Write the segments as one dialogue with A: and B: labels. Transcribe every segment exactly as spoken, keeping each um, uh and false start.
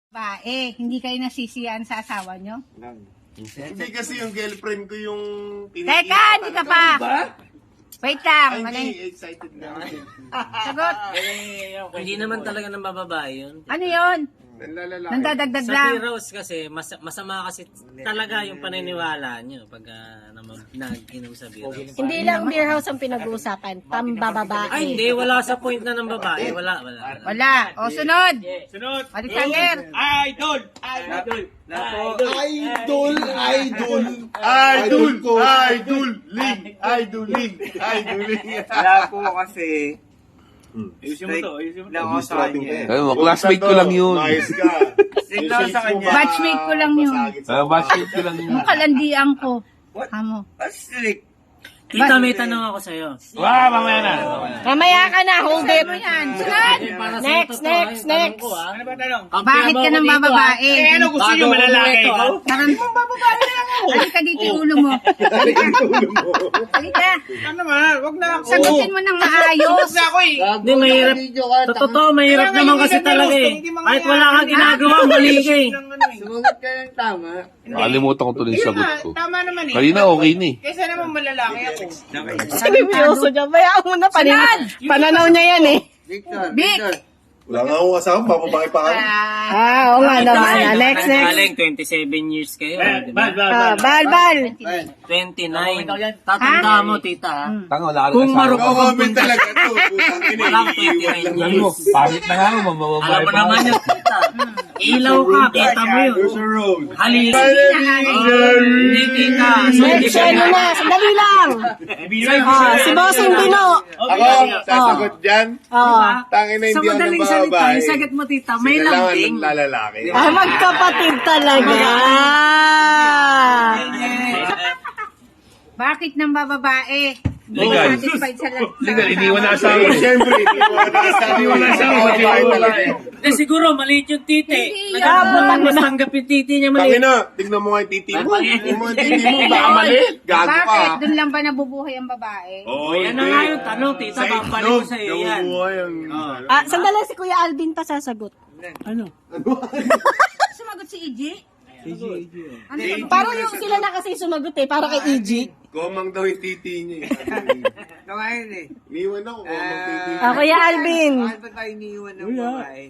A: Bae, hindi kayo nasisiyan sa asawa nyo?
B: Hindi kasi yung girlfriend ko yung
A: Teka, hindi ka pa! Wait lang,
B: Ay,
A: malay.
B: hindi, excited na ako.
A: Sagot.
C: Hindi naman talaga ng bababae yun.
A: Ano yun?
B: Nanlalaki.
A: Nandadagdag
C: Sa
A: lang.
C: Heroes kasi, mas, masama kasi talaga yung paniniwala nyo pag uh, nag-inom sa beer house.
D: Hindi lang beer house ang pinag-uusapan, pambababae.
C: Ay, hindi. Wala sa point na ng babae. Wala, wala. wala.
A: Wala. O, sunod.
E: Sunod.
A: Alexander.
E: Idol! Idol!
B: Idol, idol, idol ko, idol, ling, idol, ling, idol, ling.
F: Wala po kasi.
E: Ayusin mo to, ayusin mo to.
F: Lang ako sa kanya.
G: Ayun mo, classmate ko lang yun.
B: Mayos ka.
F: Signal sa kanya.
A: Batchmate ko lang yun.
G: Ah, batchmate ko lang yun.
A: Yung kalandian ko. Amo.
F: Strict.
C: Tita, may tanong ako sa'yo.
G: Wow, mamaya na.
D: Mamaya ka na, hold it.
A: Ano yan? Sunod.
C: Para sa
D: Next,
C: totoo,
D: next,
C: yung tanong
D: next.
C: ko, ah.
E: Ano ba tanong?
C: Kampi
A: Bakit
C: ba
A: ka
C: ako
A: ng
C: dito,
A: bababae?
E: Eh, ano gusto
C: Bago
E: nyo
C: ako
E: malalaki
C: bumeto,
E: ko?
C: ah.
A: Parang bababae lang ako. Halika dito yung ulo mo. Halika.
E: Ano naman? Wag na ako.
A: Sagutin mo ng maayos.
E: Tapos na ako eh.
C: Hindi, mahirap. Sa totoo, mahirap
E: Kaya nga,
C: naman
E: hindi
C: kasi
E: na
C: talaga
E: gusto,
C: eh.
E: hindi mangyayari.
C: Kahit wala kang ginagawa, mali ka eh.
E: Lang ano eh.
F: Sumagot ka ng tama.
G: Nakalimutan ko tuloy yung
E: Yun
G: sagot
E: nga,
G: ko.
E: tama naman eh.
G: Kanina okay ni.
E: Kaysa naman malalaki ako.
D: Seryoso dyan. Bayaan mo na, panin- pananaw niya yan eh.
F: Victor,
A: Vic.
F: Victor.
B: Wala nga akong asawa, bababae pa ka.
A: Ah,
D: Ah, oo nga naman. ah. Next, next.
C: Galing, twenty-seven years kayo. di ba?
E: Bad, bad,
D: Ah,
E: bad.
D: bal, bal.
C: twenty-nine. Tatanda mo, tita, ha?
G: Tanga, wala ka
C: Kung
G: nagsasabi.
C: marupok ang
B: Comment talaga to. Putang ina,
C: Walang
B: iiwan
C: twenty-nine
B: lang.
G: Alam mo,
C: years.
G: pangit na nga ako,
C: Alam
G: mamababae
C: mo
G: pa
C: naman
G: ako.
C: yung tita. Ilaw ka, kita mo yun.
B: There's a road.
C: Halili. Hindi, tita. So, hindi
D: Next,
C: siya
D: ano na, sandali lang. Ah, si Bossing Bino.
B: Ako, sasagot dyan.
D: Ah,
B: Tangin na
C: Sa
B: hindi ako ng
C: madaling salita,
B: bababae.
C: yung sagot mo, tita, may
B: Kailangan
C: lambing.
B: ng lalalaki.
D: ah, magkapatid talaga.
A: bakit ng bababae? Hindi
G: Legal.
A: satisfied sa lahat.
G: Legal, iniwan na asawa.
B: Siyempre, iniwan na asawa.
G: Iniwan na asawa.
B: Babae talaga.
C: Hindi, siguro, maliit yung titi.
A: Hindi
C: Nagkakabutan mo tanggap yung titi niya maliit.
B: Tangin na, tignan mo nga yung titi mo. Tignan mo yung titi mo, baka mali. Gago ka.
A: Bakit? Doon lang ba nabubuhay ang babae?
B: Oo,
C: Yan na nga yung tanong, tita. Babalik ko sa iyo yan.
B: Nabubuhay ang...
D: Ah, sandali, si Kuya Alvin pa sasagot.
A: Sumagot si E J? Ano sagot?
D: Parang yung sila na kasi sumagot eh, para kay E G.
B: Komang daw yung titi niya.
F: Ngayon eh.
B: Iniwan ako, komang titi.
D: Ah, Kuya Alvin.
F: Bakit ba tayo iniwan ng babae?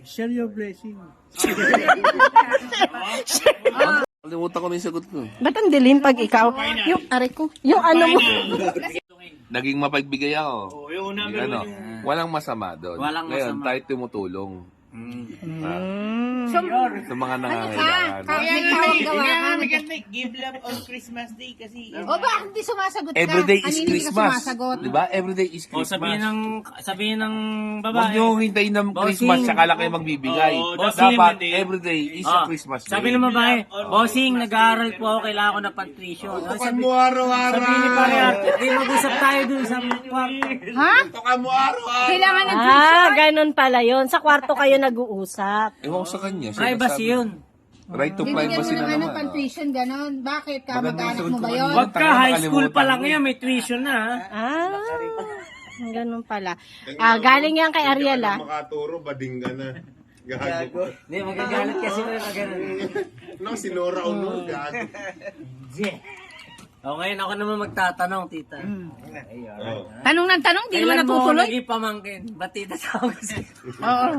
G: Nakalimutan ko na yung sagot ko.
D: Ba't ang dilim pag ikaw? Yung, aray ko, yung ano mo.
G: Naging mapagbigay ako.
E: Oo, yung una
G: Yung ano, walang masama doon.
C: Walang
G: Ngayon,
C: masama.
G: tayo tumutulong.
A: So,
G: Sa mga
A: ano ka?
G: nangangailangan.
A: Kaya
E: Kaya
A: may
E: nga,
A: tawag
E: may-
A: gawa
E: kaya
A: ka.
E: nga maganda eh. Give love on Christmas Day kasi.
A: O bakit hindi sumasagot ka?
G: Everyday is
A: Kanina hindi ka
G: Christmas.
A: sumasagot.
G: Di ba? Everyday is
C: O, sabihin
G: Christmas.
C: ng, sabihin ng
G: Huwag
C: babae.
G: niyo hintayin ng
C: Bossing.
G: Christmas saka lang kayo magbibigay.
E: Oo,
C: bossing,
G: Dapat
E: hindi.
G: everyday is a
C: Ah,
G: Christmas day.
C: sabi ng babae, bossing, nag-aaral po ako, kailangan ko ng pag-tuition. O,
B: Tukan
C: sabi,
B: mo araw-araw.
C: sabi ni pare ate, di mag-usap tayo dun sa kwarto.
A: Ha?
B: Tukan mo araw-araw.
A: Kailangan ng
D: Ah, ganun pala yun. Sa kwarto kayo nag-uusap.
G: Ewan ko sa kanya. siya
C: Privacy
G: nagsabi.
C: yun.
G: Right to
A: Bibigyan mo
G: privacy
A: ng
G: na
A: ano,
G: naman.
A: pang-tuition, gano'n. Bakit?
G: Maganda
A: Kamag-anak
G: yung
A: mo
G: sagot
A: ba
G: ko
A: yun?
G: kanina.
C: Wag ka, high school pa lang
G: Nakalimutan
C: yan, may tuition na ha.
D: Ah, ganun pala. Ah, galing yan kay Ariel ah.
B: Makaturo, bading ka na. Gago.
C: Hindi, magagalit kasi na na ganun.
B: No, sinura o no, gago.
C: O ngayon ako naman magtatanong, tita.
B: Oh.
A: Tanong ng tanong, di naman
C: Kailan mo ako
A: natutuloy.
C: naging pamangkin? Ba't tita tawag ko sa'yo?
A: Oo.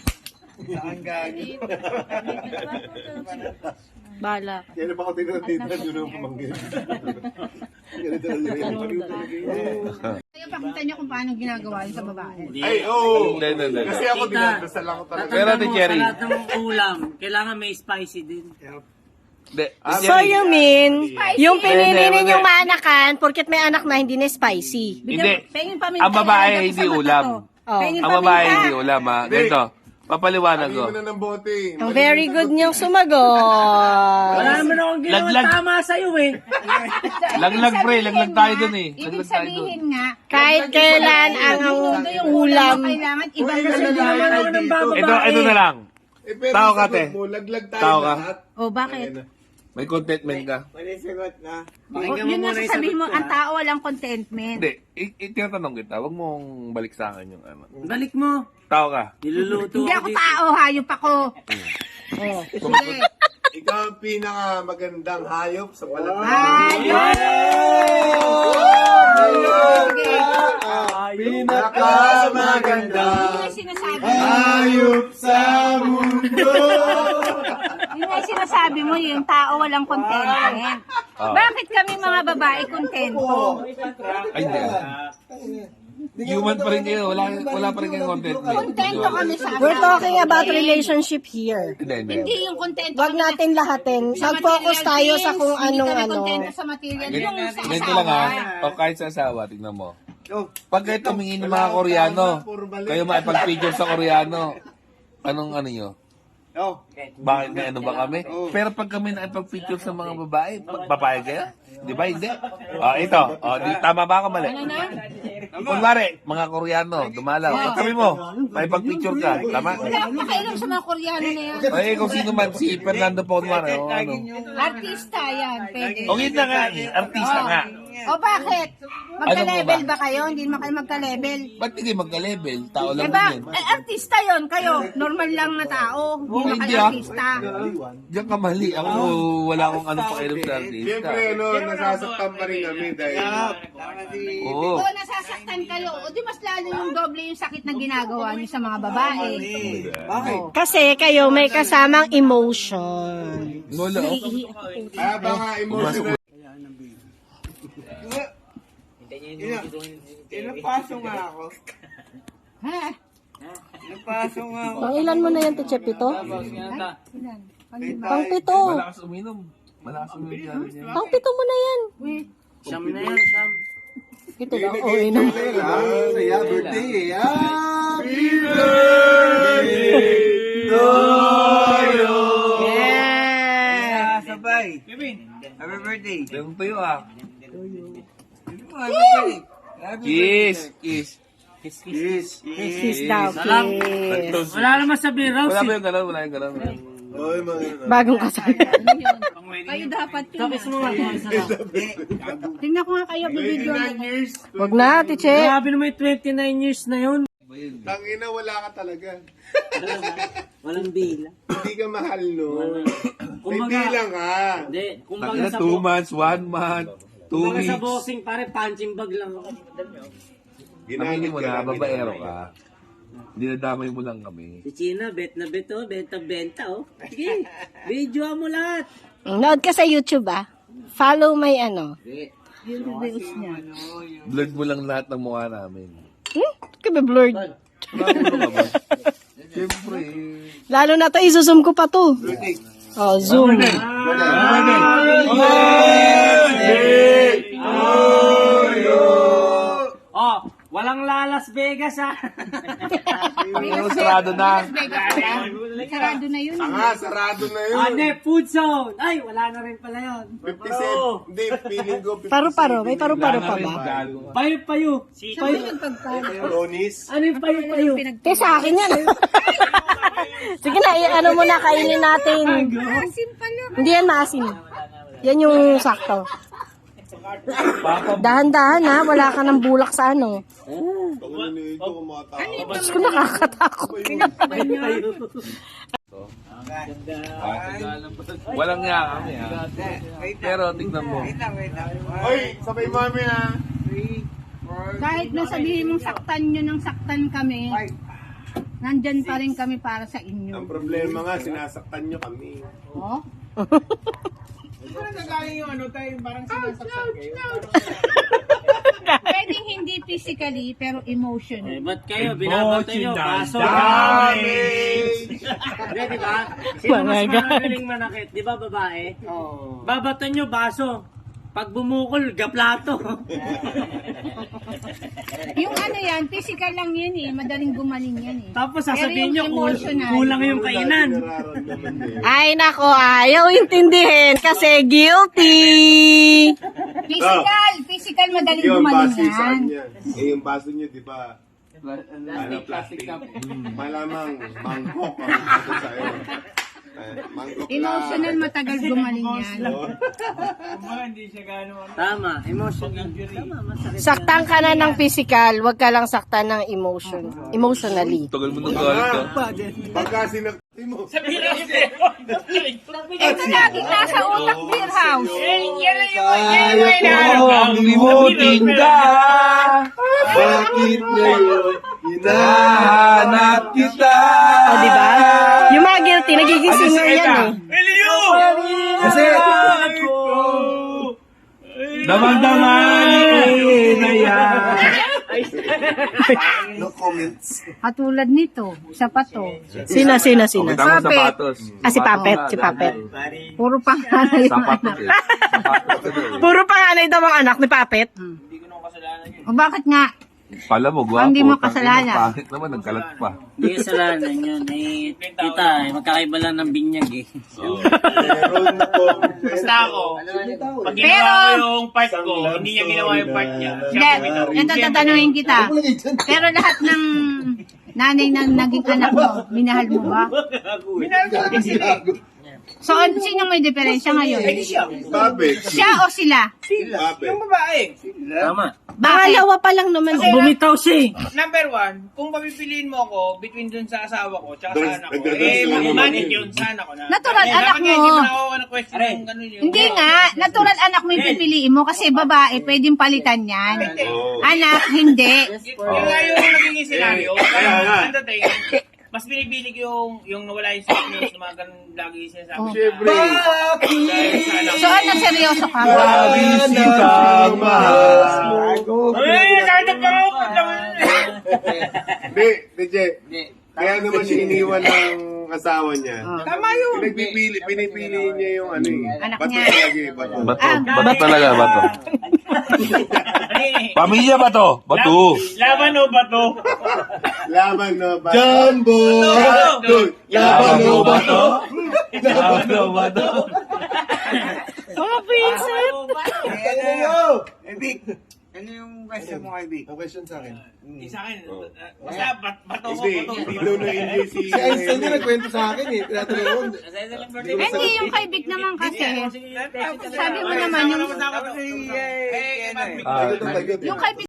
D: Bala.
B: Kaya na ba ako tinatita, yun ang pamangkin. Ganito na yun.
A: Kaya pakita niyo kung paano ginagawa yun sa babae.
B: Ay, oo.
G: Hindi, hindi, hindi.
B: Kasi ako
C: Tita,
B: dinadasal ako talaga.
G: Pero, Ate
C: Tatandaan mo,
G: Cherry.
C: sa lahat ng ulam, kailangan may spicy din.
G: Hindi.
D: So you mean, yung pinili
G: Hindi, hindi,
D: ninyong
G: hindi.
D: maanakan, porket may anak na hindi na spicy.
G: Hindi.
A: Pengin paminta.
G: Ang babae,
A: ilalagay ko
G: hindi
A: sa mata
G: ulam.
A: to.
D: Oh.
A: Pengin
G: Ang babae
A: paminta.
G: hindi ulam ha. Ganito. Papaliwanag ko.
B: Lagay mo na ng bote.
D: Ang very good niyong sumagot.
C: Wala naman akong ginawa
G: Laglag.
C: tama sa'yo eh.
G: Laglag pre, laglag tayo dun eh.
A: Ibig
G: Laglag tayo dun.
A: sabihin nga,
D: Kahit kailan ang ang
A: ito yung
D: ulam.
A: mo kailangan ibang
B: Uy,
A: kasi
B: lalaki
A: naman ako
B: dito.
A: ng babae.
G: Ito, ito na lang.
B: Eh, pero
G: Tao ka,
B: sagot
G: te.
B: mo, laglag tayo
G: Tao ka.
B: lahat.
A: Oh, bakit?
B: Ayan na.
G: May contentment ka.
F: Mali sagot na.
A: Oh, yun nga sasabihin mo, ang tao walang contentment.
G: Hindi. I- i- tinatanong kita. Huwag mong balik sa akin yung ano.
C: Balik mo.
G: Tao ka.
C: Niluluto
A: Hindi
C: ako
A: ako
C: dito.
A: tao, hayop ako.
D: Oh.
A: Sige.
B: Ikaw ang pinakamagandang hayop sa palagay.
A: Ayun! Sige.
B: Pinakamaganda
A: Yun ang sinasabi mo.
B: hayop sa mundo.
A: Yun ang sinasabi mo, yung tao walang contented. Bakit kami mga babae kontento?
G: Ay, hindi. Human pa rin kayo. Wala, wala pa rin kayong content.
A: Kontento kami sa
D: We're talking about relationship here.
G: Hindi, hindi.
A: Hindi yung kontento.
D: Wag natin lahatin.
A: sa
D: Mag-focus
A: material
D: tayo
A: things,
D: sa kung
A: hindi
D: anong
A: kami
D: ano.
A: kontento sa material. Yung sa
G: Ganito lang ha.
A: asawa.
G: O kahit sa asawa, tignan mo.
F: Oh,
G: Pag kayo tumingin ng mga Koreano, kayo makipag-picture sa Koreano, anong ano nyo?
F: oh.
G: Bakit may ano ba kami? Pero pag kami nakipag-picture sa mga babae, papayag kayo? Di ba? Hindi. O, ito. O, di, tama ba ako mali?
A: Ano na?
G: Kunwari, mga Koreano, dumalaw. Pag kami mo, makipag-picture ka. Tama?
A: Wala akong pakailan sa mga Koreano na yan.
G: Ay, kung sino man, si Fernando po, kunwari. O, ano.
A: Artista yan, pwede.
G: O, yun na nga eh. Artista nga.
A: O bakit? Magka-level ba kayo? Hindi naman kayo magka-level.
G: Ba't hindi magka-level? Tao
A: Eh
G: lang
A: ba,
G: din yan.
A: eh, artista yon kayo. Normal lang na tao. Hindi naman
G: hindi
A: kayo
G: ah.
A: artista.
G: Diyan ka mali. Ako, wala akong ano pakialam sa artista.
B: Siyempre, ano, nasasaktan pa rin kami dahil
G: Oo.
A: O nasasaktan kayo. O di mas lalo yung doble yung sakit na ginagawa niyo sa mga babae.
F: Bakit?
D: Kasi kayo may kasamang emotion.
G: Wala. oh.
B: kaya baka emotional.
F: Inapaso nga ako.
A: Ha?
F: Inapaso nga ako.
D: Pang ilan mo na yan, Teacher Pito?
A: Ilan? Pang-
D: Pang pito.
G: Malakas uminom. Malakas uminom dyan.
D: Pang pito mo na yan.
A: Wait.
C: Siyam na yan, siyam.
D: Ito lang. Oh, inom.
B: Saya birthday eh. Happy
F: Yeah! Sabay. Happy birthday.
G: Ganun tayo ah.
F: Happy birthday. Happy
G: Kiss. Kiss.
C: Kiss, kiss.
F: Kiss.
D: Kiss daw, kiss.
C: Wala naman sabihin,
G: Wala
C: Rose.
G: ba yung gano'n? Wala yung gano'n.
B: Oy, mga
D: Bagong kasal.
A: Ano yun? Kayo dapat yun.
C: Tapos mo nga, kung isa lang.
A: Tingnan ko nga kayo video.
B: twenty-nine years.
D: Wag na, Teacher.
C: Grabe naman yung twenty-nine years na yun.
B: Tangina, wala ka talaga.
C: Walang bila.
B: Hindi ka mahal, no? May
C: Kumbaga-
B: bilang ka.
C: Hindi, kumbaga
G: Tangina,
C: sa,
G: two
C: bo-
G: months, one month, two
C: kumbaga sa
G: weeks.
C: boxing, pare, punching bag lang.
G: Aminin mo na,
B: namin
G: babaero
B: kami.
G: ka. Dinadamay mo lang kami.
C: Si China, bet na bet, oh. Benta-benta, oh. Sige, video mo lahat.
D: Nood ka sa YouTube, ah. Follow my ano.
A: Yung reels niya.
G: Blurred mo lang lahat ng mukha namin.
D: Hmm? Kaya blurred.
G: Bakit ka ba? Siyempre.
D: Lalo na to, isusum ko pa to. Oh, zoom.
C: Oh, walang la Las Vegas, ah.
G: Ano, sarado na.
A: Sarado na yun.
B: Tanga, sarado na yun.
C: Ano, food zone. Ay, wala na rin pala yun.
B: fifty-seven. Hindi, feeling ko fifty-seven.
D: Paro-paro. May paro-paro pa ba?
C: Payo-payo.
A: Saan ba nagpagpalo?
B: Ronis.
C: Ano yung payo-payo?
D: Te, sa akin yan. Sige na, i- ano mo na, kainin natin.
A: Asim pala.
D: Hindi yan maasim. Yan yung sakto. Dahan-dahan ha, wala ka ng bulak sa ano.
B: Tangina nito, kumatao.
D: Diyos ko, nakakatakot.
G: Walang nga kami ha. Pero tignan mo.
F: Wait lang, wait lang.
B: Oy, sabay mami ha.
F: Three, four,
A: Kahit na sabihin mong saktan nyo ng saktan kami,
F: five.
A: nandyan pa rin kami para sa
B: Ang
A: inyo.
B: problema nga, sinasaktan nyo kami.
A: Oh?
E: Parang nagaling yung ano tayo, parang sinasaktan kayo.
A: Pwedeng hindi physically, pero
C: Eh,
A: emotionally.
C: ba't kayo? Binabantay nyo, baso.
B: Damage!
C: Hindi, di ba? Sino mas magaling manakit? Di ba, babae?
E: Oo.
C: Babatan nyo, baso. Pag bumukol, gaplato.
A: Yung ano yan, physical lang yan eh. Madaling gumaling yan eh.
C: Tapos
A: Pero
C: sasabihin nyo,
A: yung
C: kul-
A: emotional,
C: kulang yung kainan.
B: Nararamdaman din.
D: Ay, nako, ayaw intindihin kasi guilty.
A: Physical! Physical, madaling
B: Yung
A: gumaling
B: baso saan
A: yan.
B: yan? Eh, yung baso nyo, di ba? Ano, plastic. Mm, Malamang mangkok ang ito sa'yo. Mangkok
A: Emotional, matagal gumaling yan.
E: Kumbaga, hindi siya gano'n.
C: Tama, emotional. Tama, masakit.
D: Saktan ka na ng physical, wag ka lang saktan ng emotion. Emotionally.
G: Tagal mo nang galit ah.
B: Pagka sinakti mo.
A: Ito laging nasa utak, beer house.
G: Ang limutin ka.
B: Bakit ngayon?
G: Hinahanap kita.
D: O, di ba? Yung mga guilty, nagiging singer yan eh.
G: Kasi, damang-daman na yan.
B: No comments.
A: Katulad nito, sa pato.
D: Sina, sina, sina.
G: Tama
A: Papet.
G: sapatos.
D: Ah, si Papet, si Papet.
A: Puro pangalan yung
G: Sapatos
A: anak.
G: eh. Sapatos eh.
D: Puro panganay daw ang anak ni Papet.
A: O bakit nga?
G: Pala mo, gwapo.
A: Hindi mo
G: Tangina,
A: kasalanan.
G: Pangit naman, nagkalat pa.
C: Hindi kasalanan yun. Eh, kita, eh, magkakaiba lang ng binyag eh.
B: Meron na po.
E: Basta ako, pag
A: Pero-
E: ginawa ko yung part ko, hindi niya ginawa yung part niya. Siya
A: Hindi,
E: kumitaw.
A: ito tatanungin kita. Pero lahat ng nanay na naging anak mo, minahal mo ba?
E: Minahal ko naman sila eh.
A: So, an- sino may diferensya ngayon?
E: Hindi siya.
B: Babet.
A: Siya o sila?
B: Babet.
E: Yung babae.
C: Tama.
D: Pangalawa pa lang naman.
E: Kasi-
C: Bumitaw siya eh.
E: Number one, kung papipiliin mo ako between dun sa asawa ko tsaka sa
B: Dun-
E: anak ko,
B: dun-
E: eh,
B: dun- dun-
E: manit yun sa anak ko na.
A: Natural,
E: Eh,
A: anak
E: dapat nga,
A: mo.
E: Hindi mo na ako ng question kung ganun yun.
A: Hindi nga, natural anak mo yung pipiliin mo kasi babae, pwedeng palitan yan.
B: Oo.
A: Anak, hindi.
E: Yun yun nga yung nagiging senaryo.
B: Kaya
E: Kaya
B: nga.
E: ang dating, mas binibili ko yung, yung nawala yung sickness, yung mga ganun lagi sinasabi.
A: Oh.
B: Siyempre.
E: Dahil sa anak
A: So, ano, seryoso ka?
G: Bisitang mahal.
E: Eh, kahit ang pangapot lang.
B: Hindi, D J. Kaya naman siya iniwan ng asawa niya.
E: Tama yun.
B: Pinagpipili, pinipili niya yung ano eh.
A: Anak
B: Bato
A: niya.
B: talaga eh, bato.
G: Bato. Bato talaga, bato. Pamilya ba to? Bato.
E: Laban o bato?
B: Laban no ba? Jumbo! Dude, Laban no ba to?
G: Bato, bato.
D: Mga princess.
F: Ano yun? Eh, Vic, ano yung question mo kay Vic?
B: Ang question sa akin.
E: Hindi sa akin. uh, Basta bat- bato ko,
B: Hindi,
E: bato.
B: hindi daw na-enjoy si... Si Einstein din nagkwento sa akin eh. Tinatulungan.
A: Hindi, yung kay Vic naman kasi. Sabi mo naman, yung,
E: Eh,
F: Eh, ano eh.
B: Tagot ang tagot.
A: yung kay Vic